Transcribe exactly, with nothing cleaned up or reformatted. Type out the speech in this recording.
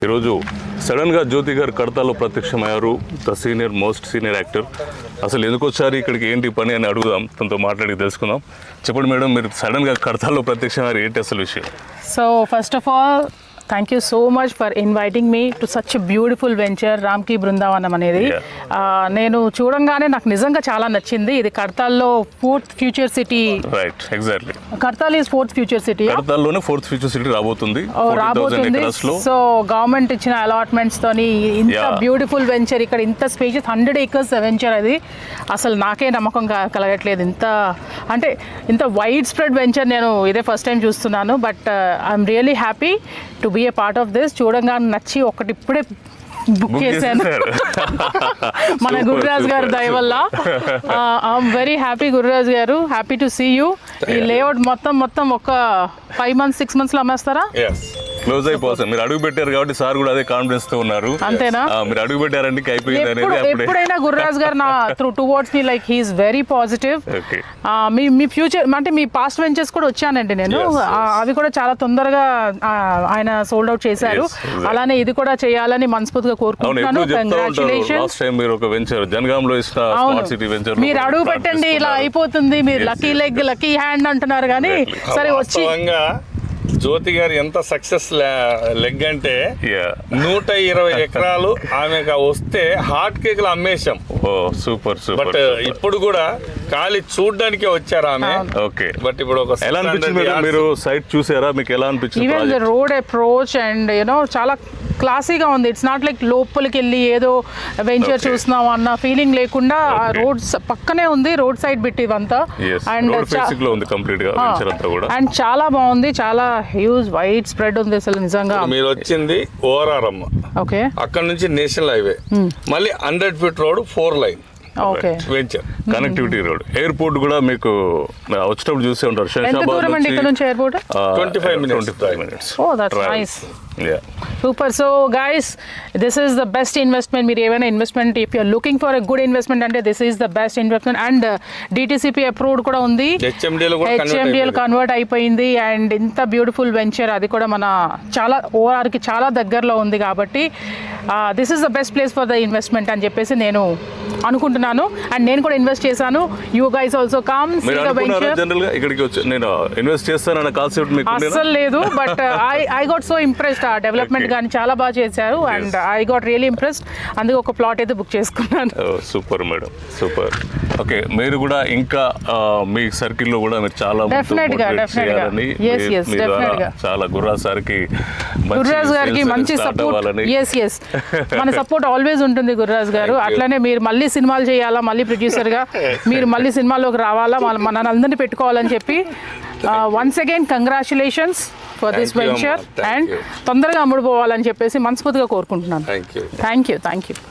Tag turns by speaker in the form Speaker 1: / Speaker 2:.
Speaker 1: ఈరోజు సడన్గా జ్యోతి గారు కడతాలో ప్రత్యక్షమయ్యారు. The senior most senior actor. అసలు ఎందుకు వచ్చారు ఇక్కడికి, ఏంటి పని అని అడుగుదాం, తనతో మాట్లాడి తెలుసుకుందాం. చెప్పండి మేడం, మీరు సడన్గా కడతాలో ప్రత్యక్షమయ్యారు, ఏంటి అసలు విషయం?
Speaker 2: So first of all thank you so much for inviting me to such beautiful venture Ramki Brindavanam అనేది. నేను చూడంగానే నాకు నిజంగా చాలా నచ్చింది. ఇది కడతాల్లో fourth future city.
Speaker 1: Right, exactly.
Speaker 2: Kadthal is fourth future city.
Speaker 1: కడతాల్లోనే ఫోర్త్ ఫ్యూచర్ సిటీ రాబోతుంది.
Speaker 2: రాబోతుంది. సో గవర్నమెంట్ ఇచ్చిన అలాట్మెంట్స్ తోని ఇంత బ్యూటిఫుల్ వెంచర్, ఇక్కడ ఇంత స్పేషియస్ హండ్రెడ్ ఏకర్స్ వెంచర్. అది అసలు నాకే నమ్మకం కలగట్లేదు. ఇంత అంటే ఇంత వైడ్ స్ప్రెడ్ వెంచర్ నేను ఇదే ఫస్ట్ టైం చూస్తున్నాను. But I'm really happy to be a part of this. చూడంగా నచ్చి ఒకటి ఇప్పుడే బుక్ చేశాను మన గురురాజ్ గారు దయ వల్ల. ఐఎమ్ వెరీ హ్యాపీ గురురాజ్ గారు, హ్యాపీ టు సీ యూ. ఈ లేఅవుట్ మొత్తం మొత్తం ఒక ఫైవ్ మంత్స్ సిక్స్ మంత్స్ లో అమ్మేస్తారా?
Speaker 1: క్లోజ్ అయిపోతుంది. మీరు అడుగు పెట్టారు కాబట్టి సార్ కూడా అదే కాన్ఫిడెన్స్ తో ఉన్నారు.
Speaker 2: అంతేనా?
Speaker 1: మీరు అడుగు పెట్టారంటే అయిపోయింది అనేది.
Speaker 2: ఎప్పుడైనా గురురాజ్ గారు నా through towards me like he's very positive. మీ మీ ఫ్యూచర్ అంటే మీ పాస్ట్ వెంచర్స్ కూడా వచ్చానండి నేను. అవి కూడా చాలా తొందరగా ఆయన సోల్డ్ అవుట్ చేశారు. అలానే ఇది కూడా చేయాలని మనస్ఫూర్తిగా కోరుకుంటున్నాను. కంగ్రాచులేషన్స్.
Speaker 1: మీరు ఒక వెంచర్ జనగాంలో ఇచ్చిన స్మార్ట్ సిటీ వెంచర్
Speaker 2: మీరు అడుగు పెట్టండి ఇలా అయిపోతుంది. మీరు లక్కీ లెగ్ లక్కీ హ్యాండ్ అంటున్నారు కానీ సరే వచ్చి
Speaker 3: జ్యోతి గారు ఎంత సక్సెస్ లెగ్ అంటే నూట ఇరవై ఎకరాలు ఆమెకు వస్తే హాట్ కేకులు అమ్మేశాం.
Speaker 1: Super super.
Speaker 3: బట్ ఇప్పుడు కూడా ఖాళీ చూడడానికే వచ్చారు ఆమె.
Speaker 1: ఓకే,
Speaker 3: బట్ ఇప్పుడు ఒక
Speaker 1: ఎలా అనిపించింది మీరు సైట్ చూసారా? మీకు ఎలా అనిపించింది?
Speaker 2: Even the road approach and you know చాలా క్లాసీగా ఉంది. ఇట్స్ నాట్ లైక్ లోపలికి వెళ్ళి ఏదో వెంచర్ చూస్తున్నాం అన్న ఫీలింగ్ లేకుండా రోడ్ పక్కనే ఉంది. రోడ్ సైడ్ బిట్ ఇదంతా. అండ్ అండ్ చాలా బాగుంది. చాలా హ్యూజ్ వైడ్ స్ప్రెడ్ ఉంది అసలు నిజంగా.
Speaker 3: మీరు వచ్చింది ఓఆర్ఆర్.
Speaker 2: ఓకే,
Speaker 3: అక్కడ నుంచి నేషనల్ హైవే, మళ్ళీ hundred feet road four lane.
Speaker 2: Okay,
Speaker 3: venture
Speaker 1: connectivity road. Airport కూడా మీకు వచ్చేటప్పుడు చూసే ఉంటారు.
Speaker 2: Super. So guys, this is the best investment. మీరు ఏమైనా investment if you're looking for a good investment అంటే this is the best investment. And DTCP approved కూడా ఉంది, హెచ్ఎండిఎల్ కన్వర్ట్ అయిపోయింది. అండ్ ఇంత బ్యూటిఫుల్ వెంచర్, అది కూడా మన చాలా ఓఆర్కి చాలా దగ్గరలో ఉంది. కాబట్టి this is the best place for the investment అని చెప్పేసి నేను అనుకుంటున్నాను. అండ్ నేను కూడా ఇన్వెస్ట్ చేశాను. You guys also come see the venture.
Speaker 1: General గా ఇక్కడికి వచ్చి నేను ఇన్వెస్ట్ చేస్తానన్న కాన్సెప్ట్ మీకు
Speaker 2: అస్సలు లేదు. But I I got so impressed. ఆ డెవలప్మెంట్ కానీ చాలా బాగా చేశారు. And I got really impressed. అందుకే ఒక ప్లాట్ అయితే బుక్ చేసుకున్నాను.
Speaker 1: Super madam, super. ఓకే, మీరు కూడా ఇంకా మీ సర్కిల్ లో కూడా మీరు చాలా
Speaker 2: డెఫినెట్ గా డెఫినెట్ గా yes yes డెఫినెట్ గా
Speaker 1: చాలా గుర్రాజ్ సార్ కి
Speaker 2: గుర్రాజ్ గారికి మంచి సపోర్ట్. yes yes మన సపోర్ట్ ఆల్వేస్ ఉంటుంది గుర్రాజ్ గారు. అట్లనే మీరు మళ్ళీ సినిమాలు చేయాలా, మళ్ళీ ప్రొడ్యూసర్గా మీరు మళ్ళీ సినిమాలోకి రావాలా, మన అందరినీ పెట్టుకోవాలని చెప్పి once again congratulations for this venture. And తొందరగా అమ్ముడుపోవాలని చెప్పేసి మనస్ఫూర్తిగా కోరుకుంటున్నాను. Thank you thank you.